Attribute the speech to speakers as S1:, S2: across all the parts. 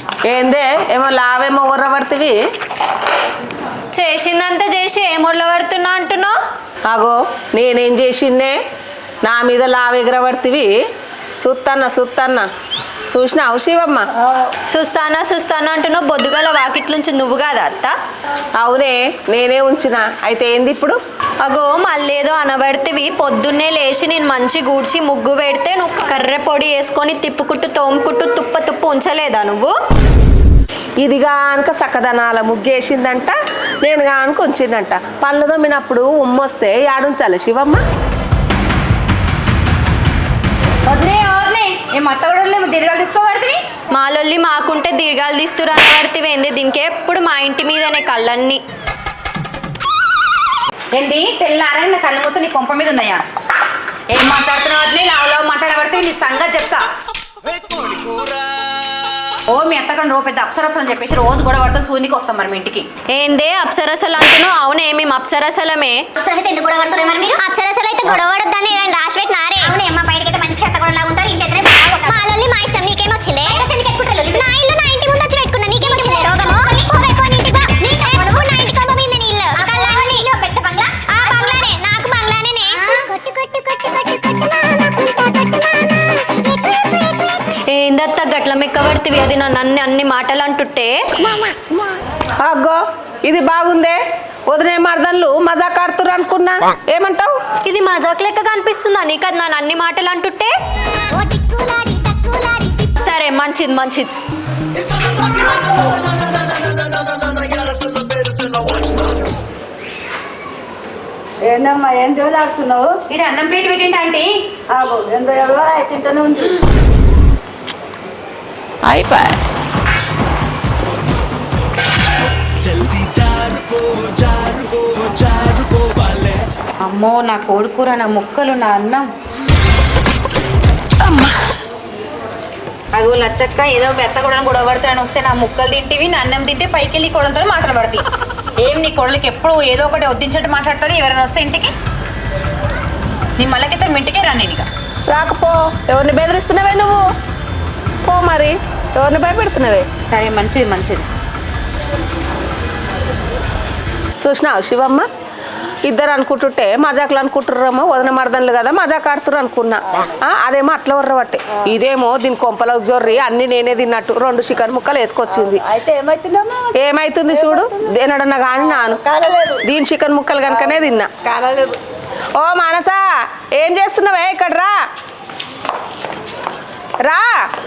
S1: ఏందే ఏమో లావేమో ఉర్రబడుతుంది.
S2: చేసిందంతా చేసి ఏం ఉర్రబడుతున్నా అంటున్నావు?
S1: అగో నేనేం చేసిందే నా మీద లావు ఎగరబడుతుంది. సుత్తన్న చూసినావు శివమ్మ?
S2: చూస్తానా అంటున్నావు. బొద్దుగల వాకిట్లుంచి నువ్వు కాదా అత్త?
S1: అవునే నేనే ఉంచిన. అయితే ఏంది ఇప్పుడు?
S2: అగో మళ్ళేదో అనబడితివి. పొద్దున్నే లేచి నేను మంచి గూడ్చి ముగ్గు పెడితే నువ్వు కర్రె పొడి వేసుకొని తిప్పుకుట్టు తోముకుట్టు తుప్పు ఉంచలేదా నువ్వు?
S1: ఇది గానుక సక్కదనాల ముగ్గేసిందంట, నేను గానుక ఉంచిందంట. పళ్ళు దొమ్మినప్పుడు ఉమ్మొస్తే యాడుంచాలి శివమ్మ?
S3: దీర్ఘాలు తీసుకోబడుతుంది.
S2: మాలొల్లి మాకుంటే దీర్ఘాలు తీస్తురు అనబడితివి ఏంది? దీనికి ఎప్పుడు మా ఇంటి మీదనే కళ్ళన్నీ.
S3: ఏంది తెల్లారని నా కళ్ళు మొత్తం నీ కొంప మీద ఉన్నాయా? ఏం మాట్లాడుతున్నావు వదిలే? లావు మాట్లాడబడితే నీ సంగతి చెప్తా. ఓ మీ అత్తకండి రో పెద్ద అప్సరసలు అని చెప్పేసి రోజు గొడవ పడుతుంది. సూనికి వస్తాం మరి మీ ఇంటికి.
S2: ఏందే అప్సరసలు అంటున్నావు? అవునే మేము అప్సరసలమే.
S4: ఎందుకు గొడవ పడుతున్నారు మరి మీరు? అప్సరసలు అయితే గొడవ పడొద్దని రాసి పెట్టినారే. అవునే అమ్మ, బయటకైతే మంచి చెత్త కూడా ఉంటారు, ఇంటి దగ్గర మాలొల్లి మా ఇష్టం. నీకేమొచ్చింది? నా ఇల్లు నా ఇంటి ముందు వచ్చి పెట్టుకున్నా, నీకేమొచ్చింది రోగము? నాకు బంగ్లానే.
S2: ఏందత్త గట్ల మెక్కబడితివి? అది నన్ను అన్ని మాటలు అంటుంటే.
S1: అగ్గో ఇది బాగుందే. వదిలే మరదళ్ళు మజాక్ ఆడుతురు అనుకున్నా. ఏమంటావు?
S2: ఇది మజాక్ లెక్క కనిపిస్తుందా నీకు? అది నన్ను అన్ని మాటలు అంటుంటే. సరే మంచిది.
S5: ఏందమ్మా ఏం దేవులాడుతున్నావు?
S3: ఇది అన్నం ప్లేట్ పెట్టింటి ఆంటీ.
S5: ఎంతో ఎవరో తింటూనే ఉంది.
S1: అయిపోయి
S3: అమ్మో నా కోడికూర, నా ముక్కలు, నా అన్నం. అగో లచ్చక్క ఏదో పెద్ద కొడని గొడవ పడుతాను వస్తే నా ముక్కలు తింటివి, నా అన్నం తింటే పైకి వెళ్ళి కొడలతో మాటలు పడతాయి. ఏం నీ కొడలకి ఎప్పుడు ఏదో ఒకటి వద్దించట్టు మాట్లాడుతుంది. ఎవరైనా వస్తే ఇంటికి నీ మళ్ళకైతే మీ ఇంటికే రాను. ఇక
S1: రాకపో. ఎవరిని బెదిరిస్తున్నావే నువ్వు? పో మరి. ఎవరిని భయపెడుతున్నావే?
S3: సరే మంచిది.
S1: చూసినావు శివమ్మ? ఇద్దరు అనుకుంటుంటే మజాకులు అనుకుంటుర్రేమో. వదిన మరదన్లు కదా మజాక్ ఆడుతురు అనుకున్నా. అదేమో అట్లా ఉర్రబట్టే. ఇదేమో దీని కొంపలకు జొర్రి అన్ని నేనే తిన్నట్టు 2 చికెన్ ముక్కలు వేసుకొచ్చింది.
S5: అయితే ఏమైతుందమ్మా?
S1: ఏమైతుంది చూడు. దేనడన్నా కానీ నాను దీని చికెన్ ముక్కలు కనుకనే తిన్నా.
S5: కాలేదు.
S1: ఓ మానసా, ఏం చేస్తున్నావే? ఇక్కడ రా.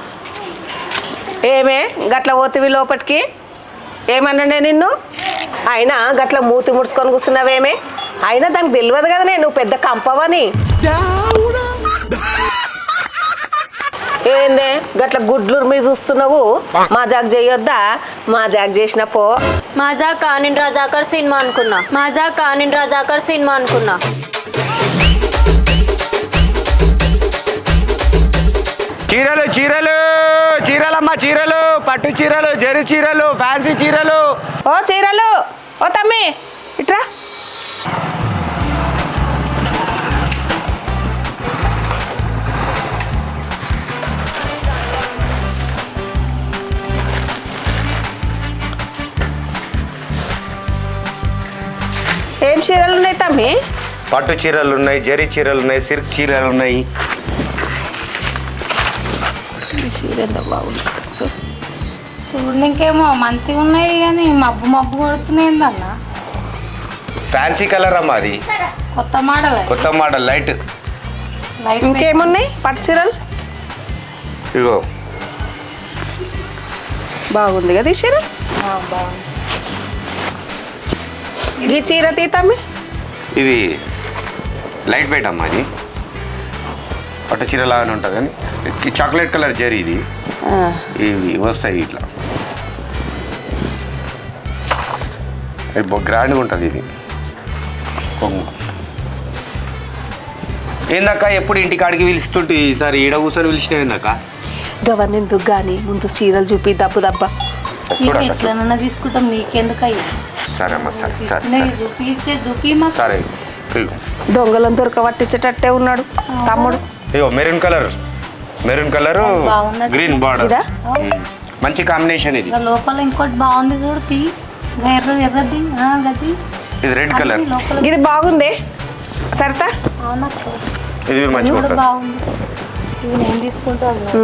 S1: ఏమే గట్ల పోతివి లోపటికి? ఏమన్నానే నిన్ను? అయినా గట్ల మూతి ముడుచుకొని కూర్చున్నావేమే? అయినా దానికి తెలియదు కదా నువ్వు పెద్ద కంపవని. ఏందే గట్ల గుడ్లు మీరు చూస్తున్నావు? మజాక్ చేయొద్దా? మజాక్ చేసిన పో.
S2: మజాకా? నేను రజాకర్ సినిమా అనుకున్నా.
S6: చీరలమ్మా, చీరలు, పట్టు చీరలు, జరి చీరలు, ఫ్యాన్సీ చీరలు.
S1: ఓ చీరలు. ఓ తమ్మి ఇట్రా. ఏం చీరలు ఉన్నాయి తమ్మి?
S6: పట్టు చీరలు ఉన్నాయి, జరి చీరలు ఉన్నాయి, సిల్క్ చీరలు ఉన్నాయి.
S7: చూడనికేమో మంచిగా ఉన్నాయి కానీ మబ్బు కొడుతున్నాయి అన్న.
S6: ఫ్యాన్సీ కలర్ అమ్మా, అది కొత్త మోడల్ లైట్.
S1: ఇంకేమున్నాయి పట్టు చీరలు?
S6: ఇగో
S1: బాగుంది కదా ఈ చీర. ఈ చీర తీతమ్మి.
S6: ఇది లైట్ వెయిట్ అమ్మా. ఇది పట్టు చీర లాగానే ఉంటుంది కానీ చాక్లెట్ కలర్ జరీ. ఇది ఇవి వస్తాయి ఇట్లా. ఇది గ్రాండ్గా ఉంటుంది. ఇది ఏందక్క ఎప్పుడు ఇంటికాడికి పిలుస్తుంటే ఈసారి ఈడ కూర్చొని పిలిచినావు ఏందక్క?
S1: గవర్నెందుకు కానీ ముందు చీరలు చూపి దబ్బ.
S7: ఎట్లనన్నా తీసుకుంటాం, నీకెందుకు అయ్యి?
S6: సరే అమ్మా, సరే సరే.
S1: దొంగలను దొరకబట్టించేటట్టే ఉన్నాడు తమ్ముడు.
S6: ఇగో మెరూన్ కలర్ గ్రీన్ బార్డర్. మంచి కాంబినేషన్ ఇది.
S7: ఇంకా లోపల ఇంకోటి బాగుంది చూడు తీ ఎర్రది గది
S6: ఇది రెడ్ కలర్.
S7: లోపల
S1: ఇది బాగుంది సరితా.
S7: అవునక్క
S6: ఇది మంచిగా
S7: కూడా
S6: ఉంటుంది.
S7: బాగుంది. ఇది నేను తీసుకుంటాను.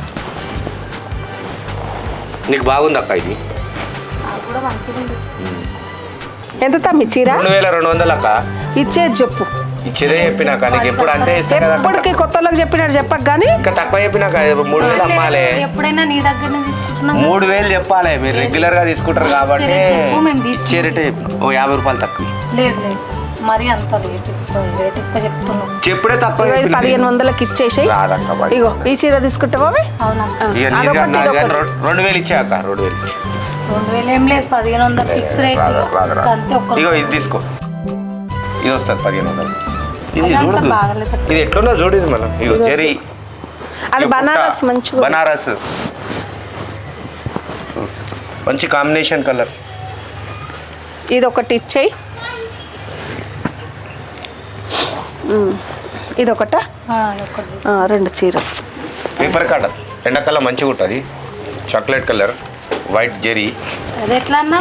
S6: నీకు బాగుంది అక్క ఇది.
S7: అది కూడా మంచిగా ఉంది.
S1: ఎంత తమ్మి చీర?
S6: 2200 అక్క.
S1: ఇచ్చేది చెప్పు.
S6: ఇచ్చేదే చెప్పినాక నీకు ఎప్పుడు అంతే ఇస్తా కదా.
S1: ఎప్పటికి కొత్తలోకి చెప్పినట్టు చెప్పకు కానీ
S6: ఇంకా తక్కువ చెప్పినాక 3000 అమ్మాలి.
S7: ఎప్పుడైనా నీ దగ్గర తీసుకుంటున్నాం.
S6: 3000 చెప్పాలి. మీరు రెగ్యులర్ గా తీసుకుంటారు కాబట్టి
S7: మేము తీసుకుంటాం.
S6: ఇచ్చే రేటే ఓ 50 రూపాయలు తక్కువ.
S7: లేదు లేదు మరి అంత రేట్ ఎక్కువ చెప్తున్నాం.
S6: చెప్పుడే తక్కువ
S1: ఇగో ఇది 1500కి ఇచ్చేసేయి.
S6: రాదక్క బాయ్.
S1: ఇగో ఈ చీర తీసుకుంటావా
S7: అవునక్క
S6: ఇక నీది
S1: అదొకటి,
S6: కాదు, నాది కాదు.
S1: ఇదొకటి.
S6: 2000 ఇచ్చాక 2000 ఇచ్చే.
S7: 2000 ఏం లేదు 1500 ఫిక్స్ రేట్.
S6: రాదు.
S7: అంతే ఒక్క
S6: ఇగో ఇది తీసుకో. ఇది వస్తుంది 1500. ఇది
S7: అదంతా
S6: చూడదు.
S7: బాగలేదు.
S6: ఇది ఎట్లుందో చూడు. ఇది మళ్ళీ ఇగో జెరీ.
S1: అది
S6: ఇగో
S1: బనారస్
S6: బుట్ట.
S1: మంచిగా
S6: బనారస్ మంచి కాంబినేషన్ కలర్.
S1: ఇది ఒకటి ఇచ్చేయి. ఇది ఒకట
S7: ఒక్కటి తీసుకో.
S1: 2 చీరలు.
S6: పేపర్ కాటన్ ఎండాకాలం మంచిగా ఉంటుంది. Chocolate colour white zari.
S7: అది ఎట్లా అన్నా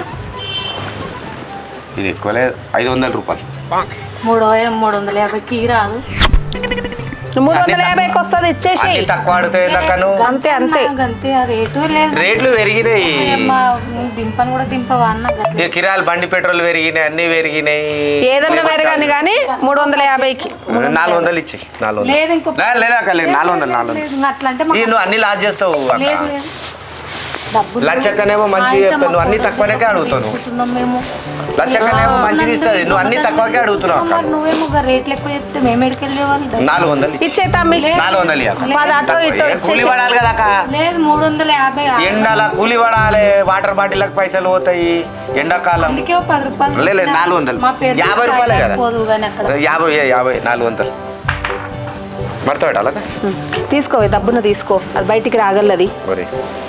S6: ఇది ఎక్కువ లేదు 500 రూపాయలు.
S7: 350కి రాదు.
S1: 350కి వస్తుంది ఇచ్చేసేయి.
S6: అన్ని తక్కువ ఆడుతాయి దక్కను.
S1: అంతే అంతే.
S7: అంతే ఆ రేటు లేదు.
S6: రేట్లు పెరిగినాయి.
S7: దింపని కూడా దింపవా అన్న గట్ల.
S6: ఇక కిరాలు బండి పెట్రోల్ పెరిగినాయి, అన్ని పెరిగినాయి.
S1: ఏదన్నా పెరగాని కానీ 350కి
S6: 400 ఇచ్చి 400.
S7: లేదు ఇంకో
S6: లేదాక లేదు 400.
S7: లేదు, ఇంకా అట్లా అంటే
S6: నువ్వు అన్ని లాస్ చేస్తావు అక్క.
S7: లేదు లేదు డబ్బులు
S6: లచ్చక్కనేమో మంచిగా చెప్పాను, నువ్వు అన్ని తక్కువనే అడుగుతావు.
S7: తీసుకుంటున్నాం మేము.
S6: లచ్చక్కనేమో మంచిగా ఇస్తుంది, నువ్వు అన్ని తక్కువకే అడుగుతున్నావు అక్క.
S7: మరి నువ్వేమో ఒక రేట్లు ఎక్కువ చెప్తే మేము ఎడికెళ్ళే వాళ్ళు.
S6: 400
S1: ఇచ్చే తమ్మి.
S6: 400 ఇయ్యక్క.
S1: మాది అటో ఇటో
S6: కూలి పడాలి కదా అక్క.
S7: లేదు 350.
S6: ఎండల కూలి పడాలి, వాటర్ బాటిల్కి పైసలు పోతాయి ఎండాకాలం.
S7: అందుకే 10 రూపాయలు.
S6: లేదు 400.
S7: మా పేరు
S6: 50 రూపాయలే కదా.
S7: పోదు కానీ అక్కడ
S6: 50 400 మడత పెట్టాలా
S1: తీసుకోవే దబ్బున తీసుకో. అది బయటికి రాగలది.
S6: మరి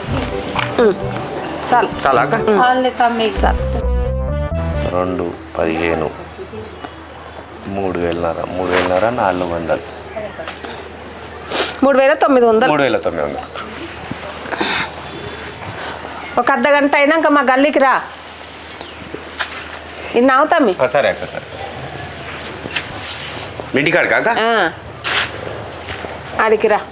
S1: చాలు
S6: చాలా అక్క.
S7: వాళ్ళే తమ్మి సార్
S6: 2 15 3,500 400
S1: 3900.
S6: 3,900.
S1: ఒక అర్ధ గంట అయినాక మా గల్లీకి రా. ఇన్నావు తమ్మి.
S6: సరే అక్క సరే. ఇంటికాడ కాక
S1: ఆడికి రా.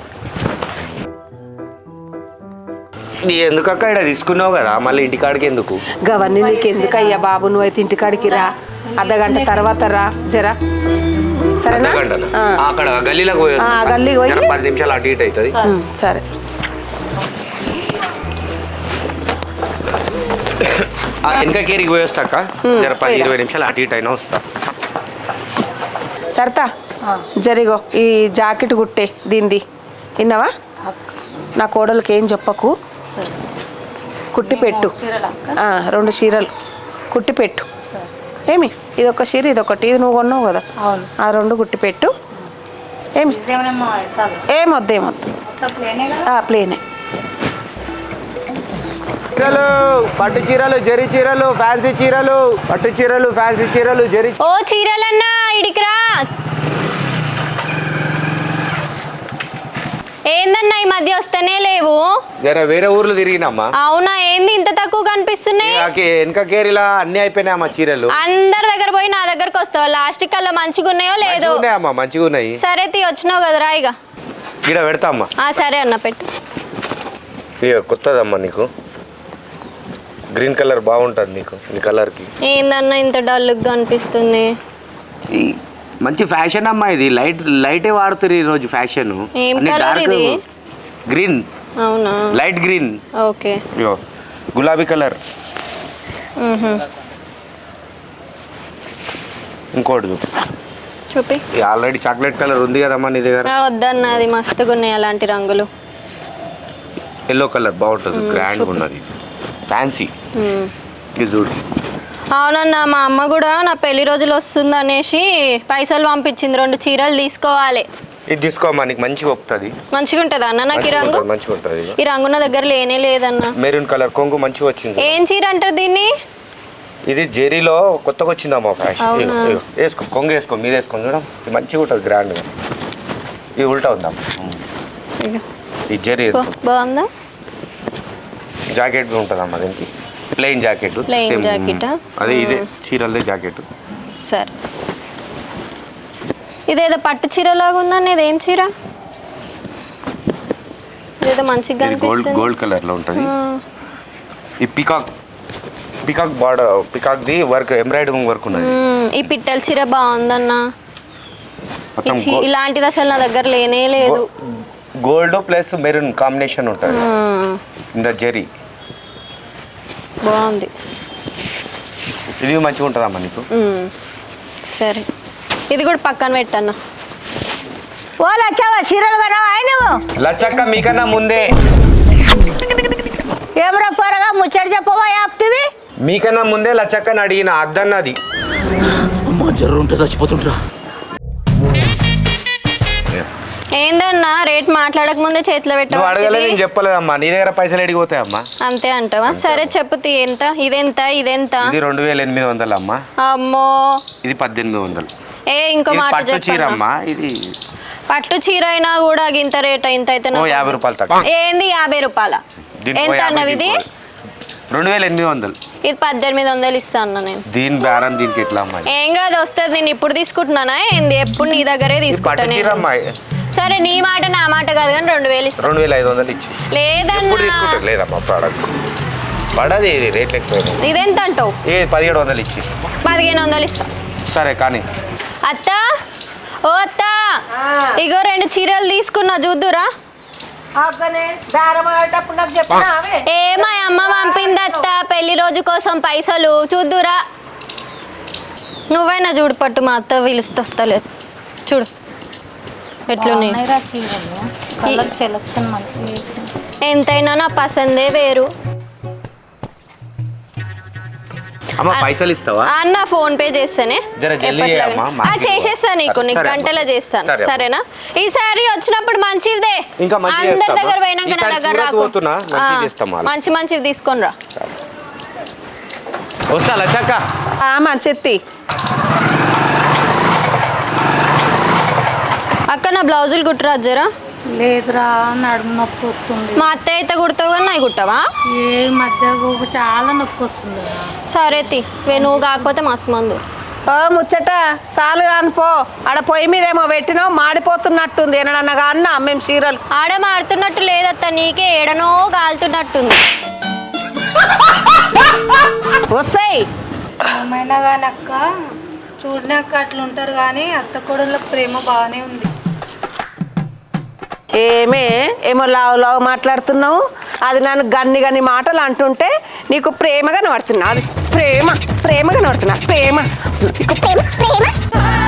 S6: ఎందుకు అక్క ఇక్కడ తీసుకున్నావు కదా మళ్ళీ ఇంటికాడికి ఎందుకు?
S1: గవన్నీ నీకు ఎందుకు అయ్యా బాబు, నువ్వైతే ఇంటికాడికి రా. అర్ధ గంట తర్వాత రా జరా. సరేనా?
S6: అర్ధగంటనా? అక్కడ గల్లీలోకి పోయి
S1: ఆ, గల్లీకి పోయి.
S6: 10 నిమిషాలు అటు ఇటు అవుతుంది.
S1: సరే.
S6: వెనక కేరికి పోయి వస్తా అక్క. 10-20 నిమిషాలు అటు ఇటు అయినా వస్తా.
S1: సరతా జరిగో ఈ జాకెట్ కుట్టే దీనిది. విన్నావా? నా కోడలకి ఏం చెప్పకు, కుట్టి పెట్టు. 2 చీరలు కుట్టి పెట్టు. ఏమి ఇదొక చీర ఇదొకటి, ఇది నువ్వు కొన్నావు కదా,
S7: అవును.
S1: ఆ 2 కుట్టి పెట్టు. ఏమి ఏమొద్దు ప్లేనే.
S6: చీరలు, పట్టు చీరలు, జరీ చీరలు, ఫ్యాన్సీ చీరలు, పట్టు చీరలు, ఫ్యాన్సీ చీరలు, జరీ.
S2: ఓ చీరలన్నా ఇడికిరా. ఏందన్నా ఈ మధ్య వస్తేనే లేవు.
S6: వేరే ఊర్లు తిరిగినమ్మా.
S2: అవునా, ఏంది ఇంత తక్కువ కనిపిస్తున్నాయి?
S6: వెనక కేరిలా అన్ని అయిపోయినాయమ్మా చీరలు.
S2: అందరి దగ్గర పోయి నా దగ్గరకు వస్తావు. లాస్ట్ కల్లా మంచిగా ఉన్నాయో లేదో.
S6: ఉన్నాయమ్మా మంచిగా ఉన్నాయి.
S2: సరే తీ వచ్చినావు కదరా ఇక
S6: ఇక్కడ పెడతా అమ్మా.
S2: సరే అన్న పెట్టు.
S6: ఇక కొత్తదమ్మా నీకు గ్రీన్ కలర్ బాగుంటుంది నీకు. ఈ కలర్కి
S2: ఏందన్నా ఇంత డల్గా అనిపిస్తుంది?
S6: ఈ మంచి ఫ్యాషన్ అమ్మా ఇది. లైటే వాడుతారు ఈ రోజు ఫ్యాషన్.
S2: ఏం కలర్ ఇది?
S6: గ్రీన్.
S2: అవునా,
S6: లైట్ గ్రీన్.
S2: ఓకే.
S6: గులాబీ కలర్. ఇంకోటి
S2: చూపి.
S6: ఆల్రెడీ చాక్లెట్ కలర్ ఉంది కదమ్మా నీ దగ్గర.
S2: వద్దన్న, అది మస్తుగా ఉన్నాయి అలాంటి రంగులు.
S6: ఎల్లో కలర్ బాగుంటుంది, గ్రాండ్గా ఉన్నది, ఫ్యాన్సీ. ఇది చూడు.
S2: అవునన్నా, మా అమ్మ కూడా నా పెళ్లి రోజులు వస్తుంది అనేసి పైసలు పంపించింది. 2 చీరలు తీసుకోవాలి.
S6: ఇది తీసుకోమ్మా, నీకు మంచిగా వస్తుంది.
S2: మంచిగా ఉంటుందా అన్న నాకు ఈ రంగు?
S6: మంచిగా ఉంటుంది.
S2: ఈ రంగు నా దగ్గర లేనే లేదన్న.
S6: మెరూన్ కలర్ కొంగు మంచిగా వచ్చింది.
S2: ఏం చీర అంటారు దీన్ని?
S6: ఇది జెరీలో కొత్తగా వచ్చిందమ్మా ఫ్యాషన్.
S2: అవునా?
S6: వేసుకో, కొంగు వేసుకో, మీద వేసుకొని చూడం. ఇది మంచిగా ఉంటుంది, గ్రాండ్గా. ఇది ఉల్టా ఉందమ్మా. ఈ జెరీ
S2: బాగుందా?
S6: జాకెట్ ఉంటుందమ్మా దీనికి, ప్లెయిన్ జాకెట్.
S2: Plain jacket ఆ?
S6: అదే ఇదే చీరలదే జాకెట్.
S2: సరే, ఇదేదో పట్టు చీరలాగా ఉందన్న, ఇదేం చీర? ఇదేదో మంచిగా
S6: ఇది గోల్డ్
S2: కనిపిస్తుంది.
S6: కలర్లో ఉంటుంది. ఈ పికాక్ బార్డర్, పికాక్ది వర్క్, ఎంబ్రాయిడరింగ్ వర్క్ ఉన్నది.
S2: ఈ పిట్టల చీర బాగుందన్న.
S6: మొత్తం
S2: ఇలాంటిది అసలు నా దగ్గర లేనే లేదు.
S6: గోల్డ్ ప్లస్ మెరూన్ కాంబినేషన్ ఉంటుంది ఇంత జరీ.
S2: బాగుంది.
S6: ఇది మంచిగా ఉంటుందమ్మా నీకు.
S2: సరే, ఇది కూడా పక్కన పెట్టన్న.
S1: వాళ్ళు వచ్చావా చీరలు కొనవా నువ్వు?
S6: లచ్చక్క మీకన్నా ముందే,
S1: ఏమరా పొరగా ముచ్చట చెప్పవా యాప్తివి?
S6: మీకన్నా ముందే లచ్చక్కని అడిగిన అద్దన్నది.
S2: ఏందన్నా రేట్ మాట్లాడక ముందే చేతిలో
S6: నువ్వు అడగలేదు, నేను
S2: పెట్ట
S6: చెప్పలేదమ్మా. నీ దగ్గర పైసలు ఎడిగిపోతాయమ్మా.
S2: అంతే అంటావా? సరే చెప్పుతి, ఎంత? ఇదెంత? ఇదెంత?
S6: ఇది 2800 అమ్మా.
S2: అమ్మో,
S6: ఇది 1800.
S2: ఇంకో
S6: ఇది
S2: మాట
S6: పట్టు చీర
S2: చెప్పన్నా.
S6: అమ్మా. ఇది
S2: పట్టు చీర అయినా కూడా ఇంత రేట్, ఇంత అయితే
S6: ఓ 50 రూపాయలు తక్కువ.
S2: ఏంది 50 రూపాయల?
S6: దీనికి
S2: ఎంత
S6: 50
S2: అన్నవి ఇది?
S6: 2800.
S2: ఇది 1800 ఇస్తా అన్న నేను.
S6: దీని బేరం దీనికి ఎట్లా అమ్మా?
S2: ఏం కాదు, వస్తుంది. నేను ఇప్పుడు తీసుకుంటున్నానా ఏంది? ఎప్పుడు నీ దగ్గరే
S6: ఇది
S2: తీసుకుంటా
S6: పట్టు చీర
S2: నేను.
S6: అమ్మా.
S2: సరే, నీ మాట నా మాట కాదు కానీ 2000 ఇస్తా.
S6: 2500 ఇచ్చి. ఎప్పుడు
S2: లేదన్నా,
S6: తీసుకుంటారు? లేదమ్మా, ప్రోడక్ట్ పడది, రేట్లు ఎక్కువ.
S2: ఇదెంత అంటావు?
S6: ఏ 1700 ఇచ్చి.
S2: 1500 ఇస్తా.
S6: సరే కానీ
S2: అత్త, ఓ అత్త, ఇగో 2 చీరలు తీసుకున్నా, చూద్దురా. మా అమ్మ పంపింది అత్త, పెళ్లి రోజు కోసం పైసలు, చూద్దురా. నువ్వైనా చూడు, పట్టు. మా అత్త పిలుస్తలేదు, చూడు ఎట్లున్నాయి.
S7: బాగున్నాయిరా చీరలు, కలర్ సెలక్షన్ మంచిగా చేసింది.
S2: ఎంతైనా నా పసందే వేరు.
S6: అమ్మ పైసలు ఇస్తావా?
S2: అన్న ఫోన్ పే చేస్తానే,
S6: జర జల్దీ
S2: ఎప్పటిలాగానే.
S6: చేయమ్మా, మార్కెట్
S2: చేసేస్తా నీకు,
S6: సరే,
S2: నీకు
S6: సరే.
S2: గంటలో చేస్తాను.
S6: సరే.
S2: సరేనా? ఈసారి వచ్చినప్పుడు మంచిదే.
S6: ఇంకా మంచిగా
S2: అందరి
S6: చేస్తామా?
S2: దగ్గర పోయినాక నా
S6: ఈసారి
S2: దగ్గర
S6: సూరత్
S2: రాకు.
S6: పోతున్నా, మంచిగా చేస్తాం వాళ్ళు.
S2: మంచివి తీసుకొని రా.
S6: వస్తా లచ్చక్క.
S1: మంచెత్తి
S2: అక్క, నా బ్లౌజులు కుట్టరాదు జరా.
S7: లేదురా, నడుము నొప్పి వస్తుంది.
S2: మా అత్త అయితే కుడతావు కానీ నాయి కుట్టవా?
S7: ఏ మధ్య చాలా నొప్పి వస్తుంది.
S2: సరే నువ్వు కాకపోతే మస్తు మందు.
S1: ఓ ముచ్చట సాలు కానిపో. ఆడ పొయ్యి మీద ఏమో పెట్టినావు, మాడిపోతున్నట్టుంది. ఏనన్నా అన్న మేము చీరలు
S2: ఆడ మాడుతున్నట్టు లేదత్త, నీకే ఏడనో కాలుతున్నట్టుంది.
S1: వస్తాయి.
S7: ఏమైనా కానీ అక్క, చూడడానికి అట్లా ఉంటారు కానీ అత్త కోడళ్ళకి ప్రేమ బాగానే ఉంది.
S1: ఏమో లావు మాట్లాడుతున్నావు. అది నన్ను గన్ని మాటలు అంటుంటే నీకు ప్రేమగా నడుతున్నా. అది ప్రేమగా నడుతున్నా. ప్రేమ నీకు ప్రేమ.